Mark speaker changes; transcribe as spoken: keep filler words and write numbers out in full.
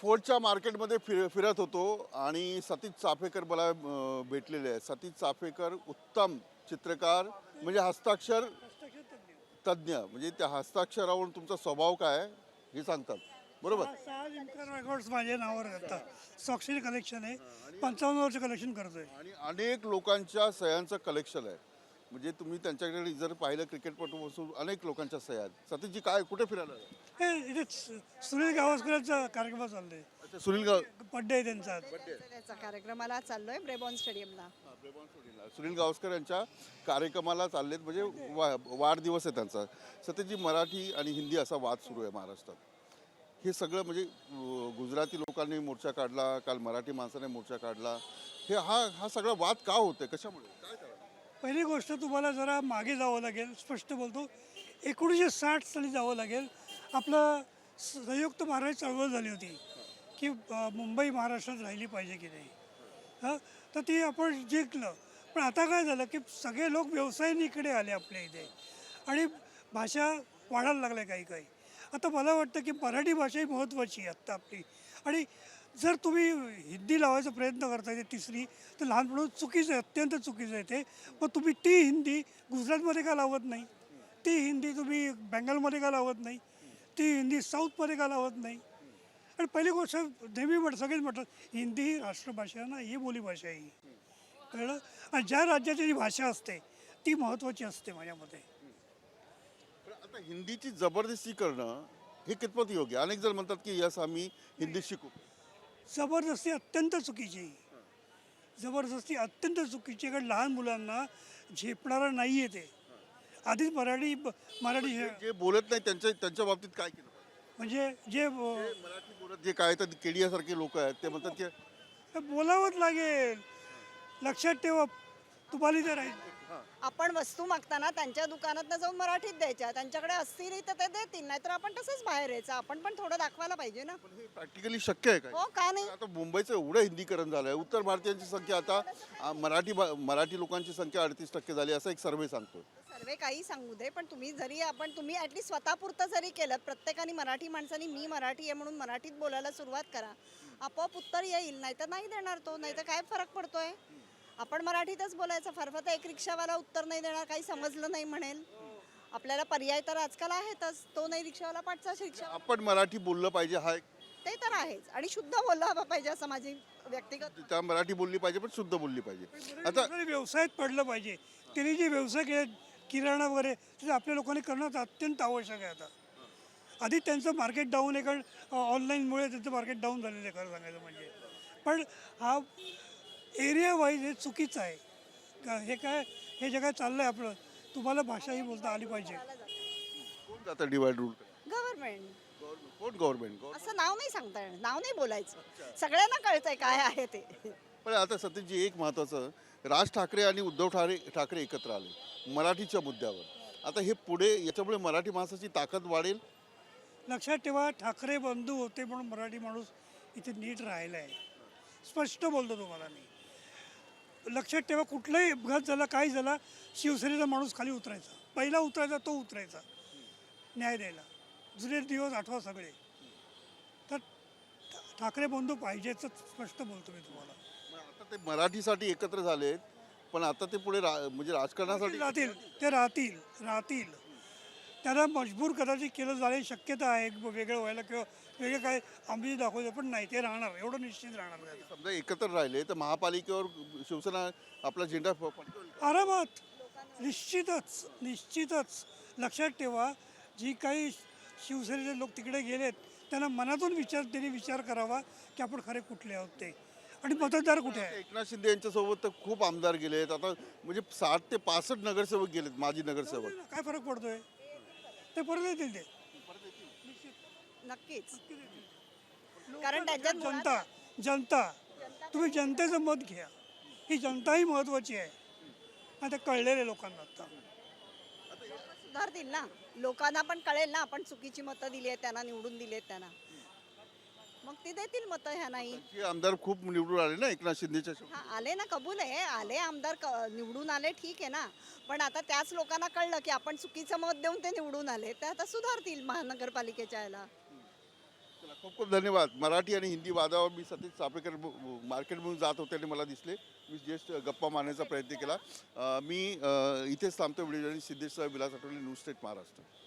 Speaker 1: फोर्टच्या मार्केटमध्ये फिर फिरत होतो आणि सतीश चाफेकर मला अ, भेटलेले आहेत. सतीश चाफेकर उत्तम चित्रकार म्हणजे हस्ताक्षर तज्ज्ञ, म्हणजे त्या हस्ताक्षरावरून तुमचा स्वभाव काय आहे हे सांगतात, बरोबर?
Speaker 2: सहा सहा लिमकर रेकॉर्ड्स माझ्या नावावर येतात. स्वाक्षरी कलेक्शन आहे, पंचावन्न वर्ष कलेक्शन करतोय.
Speaker 1: आणि अनेक लोकांच्या सह्यांचं कलेक्शन आहे. म्हणजे तुम्ही त्यांच्याकडे जर पाहिलं क्रिकेटपटूपासून अनेक लोकांच्या सह्या आहेत. सतीशजी काय कुठे फिरायला आलात?
Speaker 2: हे इथे सु- सुनील गावस्करांचा कार्यक्रम चाललाय.
Speaker 1: अच्छा, सुनील गाव
Speaker 2: बड्डे आहे त्यांचा आज.
Speaker 3: त्याचा कार्यक्रमाला चाललोय ब्रेबॉन स्टेडियमला.
Speaker 1: हा, ब्रेबॉन स्टुडिओला. सुनील गावस्कर यांच्या कार्यक्रमाला चाललेत, म्हणजे वा वाढदिवस आहे त्यांचा. सतीशजी, मराठी आणि हिंदी असा वाद सुरू आहे महाराष्ट्रात. हे सगळं म्हणजे अं, गुजराती लोकांनी मोर्चा काढला, काल मराठी माणसाने मोर्चा काढला. हे हा हा सगळा वाद का होतोय, कशामुळे, काय कारण?
Speaker 2: पहिली गोष्ट तुम्हाला जरा मागे जावं लागेल. स्पष्ट बोलतो, एकोणीसशे साठ साली जावं लागेल. आपलं संयुक्त महाराष्ट्र चळवळ झाली होती की अ, मुंबई महाराष्ट्रात राहिली पाहिजे की नाही. हां, तर ती आपण जिंकलं. पण आता काय झालं की सगळे लोक व्यवसायानीकडे आले आपल्या इथे आणि भाषा वाढायला लागल्या काही काही. आता मला वाटतं की मराठी भाषा ही महत्त्वाची आहे आत्ता आपली. आणि जर तुम्ही हिंदी लावायचा प्रयत्न करताय ते तिसरी, तर लहानपणापासून चुकीचं आहे, अत्यंत चुकीचं आहे ते. मग तुम्ही ती हिंदी गुजरातमध्ये का लावत नाही? ती हिंदी तुम्ही बेंगालमध्ये का लावत नाही? ती हिंदी साऊथमध्ये का लावत नाही? आणि पहिली गोष्ट नेहमी म्हट सगळेच म्हणतात हिंदी ही राष्ट्रभाषा आहे ना, ही बोलीभाषा आहे ही. कळलं? आणि ज्या राज्याची जी भाषा असते ती महत्त्वाची असते माझ्या मते.
Speaker 1: पण आता हिंदीची जबरदस्ती करणं हे कितपत योग्य? अनेक जण म्हणतात की यस आम्ही हिंदी शिकू.
Speaker 2: जबरदस्ती अत्यंत चुकीची आहे. जबरदस्ती अत्यंत चुकीची आहे, कारण लहान मुलांना झेपणारं नाही आहे ते. आधीच मराठी मराठी
Speaker 1: जे जे बोलत नाही त्यांच्या त्यांच्या बाबतीत काय केलं पाहिजे?
Speaker 2: म्हणजे जे अ,
Speaker 1: जे मराठी बोलत जे काय तर केडियासारखे लोक आहेत ते म्हणतात की
Speaker 2: बोलावंच लागेल. लक्षात ठेवा, तुम्हाला जर आहे
Speaker 3: आपण वस्तू मागताना त्यांच्या दुकानात जाऊन मराठीत द्यायच्या. त्यांच्याकडे असतील तर ते देतील, नाहीतर आपण तसंच बाहेर यायचं. आपण पण थोडं दाखवायला पाहिजे ना.
Speaker 1: पण हे प्रॅक्टिकली शक्य आहे काय?
Speaker 3: हो, का नाही?
Speaker 1: आता मुंबईचं एवढं हिंदीकरण झालंय, उत्तर भारतीयांची संख्या आता आ, मराठी भा- मराठी लोकांची संख्या अडतीस टक्के झाली असं एक सर्वे सांगतो.
Speaker 3: सर्वे काही सांगू दे, पण तुम्ही जरी आपण तुम्ही ॲटलीस्ट स्वतःपुरतं जरी केलं, प्रत्येकाने मराठी माणसानी मी मराठी आहे म्हणून मराठीत बोलायला सुरुवात करा, आपोआप उत्तर येईल. नाही तर नाही देणार तो. नाही तर काय फरक पडतोय? आपण मराठीतच बोलायचं. फार फार तर एक रिक्षावाला उत्तर नाही देणार, काही समजलं नाही म्हणेल. आपल्याला पर्याय तर आजकाल आहेतच. तो नाही रिक्षावाला पाठचा रिक्षा,
Speaker 1: आपण मराठी बोललं पाहिजे हा एक,
Speaker 3: ते तर आहेच. आणि शुद्ध बोलला हवा पाहिजे असं माझी व्यक्तिगत.
Speaker 1: त्या मराठी बोलली पाहिजे पण शुद्ध बोलली पाहिजे. आता
Speaker 2: आता व्यवसायात पडलं पाहिजे. त्यांनी जे व्यवसाय केले किराणा वगैरे ते आपल्या लोकांनी करणं अत्यंत आवश्यक आहे. आता आधी त्यांचं मार्केट डाऊन आहे, कारण ऑनलाईनमुळे त्यांचं मार्केट डाऊन झालेलं आहे खरं सांगायचं म्हणजे. पण हा एरिया वाईज हे चुकीचं आहे का? हे काय हे जे काय चाललं आहे आपलं, तुम्हाला भाषाही बोलता आली पाहिजे.
Speaker 1: कोण जातं डिवाइड रूल?
Speaker 3: गव्हर्नमेंट.
Speaker 1: कोण गव्हर्नमेंट?
Speaker 3: असं नाव नाही सांगता येणार, नाव नाही बोलायचं. सगळ्यांना कळतंय काय आहे ते.
Speaker 1: पण आता सतीशजी एक महत्त्वाचं, राज ठाकरे आणि उद्धव ठाकरे ठाकरे एकत्र आले मराठीच्या मुद्द्यावर. आता हे पुढे याच्यामुळे मराठी माणसाची ताकद वाढेल.
Speaker 2: लक्षात ठेवा, ठाकरे बंधू होते म्हणून मराठी माणूस इथे नीट राहिला आहे. स्पष्ट बोलतो तुम्हाला मी. लक्षात ठेवा, कुठलाही अपघात झाला, काही झाला, शिवसेनेचा माणूस खाली उतरायचा. पहिला उतरायचा तो उतरायचा न्याय द्यायला. जुने दिवस आठवा सगळे. तर ठाकरे बंधू पाहिजेच, स्पष्ट बोलतो मी तुम्हाला.
Speaker 1: मग आता ते मराठीसाठी एकत्र झालेत, पण आता ते पुढे रा म्हणजे राजकारणासाठी
Speaker 2: राहतील ते राहतील राहतील त्यांना मजबूर कदाचित केलं जाणे शक्यता आहे वेगळं व्हायला, किंवा वेगळं काय आम्ही दाखवतो, पण नाही, ते राहणार, एवढं निश्चित राहणार त्याचं.
Speaker 1: समजा एकत्र राहिले तर महापालिकेवर शिवसेना आपला झेंडा फ- फडकवेल का?
Speaker 2: आरामात, निश्चितच निश्चितच. लक्षात ठेवा, जी काही शिवसेनेचे लोक तिकडे गेलेत त्यांना मनातून विचार त्यांनी विचार करावा की आपण खरे कुठले आहोत ते, आणि मतदार कुठे आहे.
Speaker 1: एकनाथ शिंदे यांच्यासोबत तर खूप आमदार गेलेत. आता म्हणजे साठ ते पासष्ट नगरसेवक गेलेत, माजी नगरसेवक.
Speaker 2: काय फरक पडतोय? ते परत येतील ते.
Speaker 3: नक्कीच. कारण त्यांच्यात मुळात
Speaker 2: जनता जनता तुम्ही जनतेचं मत घ्या. ही जनता ही महत्वाची आहे. आता कळलेले लोकांना आता
Speaker 3: सुधारतील ना. लोकांना पण कळेल ना आपण चुकीची मतं दिली आहेत त्यांना, निवडून दिली आहेत त्यांना, मग ते देतील मतं. ह्या नाही
Speaker 1: हे आमदार खूप निवडून आले ना एकनाथ शिंदेच्या सोबत.
Speaker 3: हा, आले ना, कबूल आहे, आले आमदार, क- निवडून आले, ठीक आहे ना. पण आता त्याच लोकांना कळलं की आपण चुकीचं मत देऊन ते निवडून आले, ते आता सुधारतील महानगरपालिकेच्या याला.
Speaker 1: चला, खूप खूप धन्यवाद. मराठी आणि हिंदी वादावर मी सतीश चापेकर मार्केटमधून जात होते आणि मला दिसले. मी जस्ट गप्पा मारण्याचा प्रयत्न केला. अं, मी अं, इथेच थांबतो. Video Siddhesh Vilas Athavale, news state Maharashtra.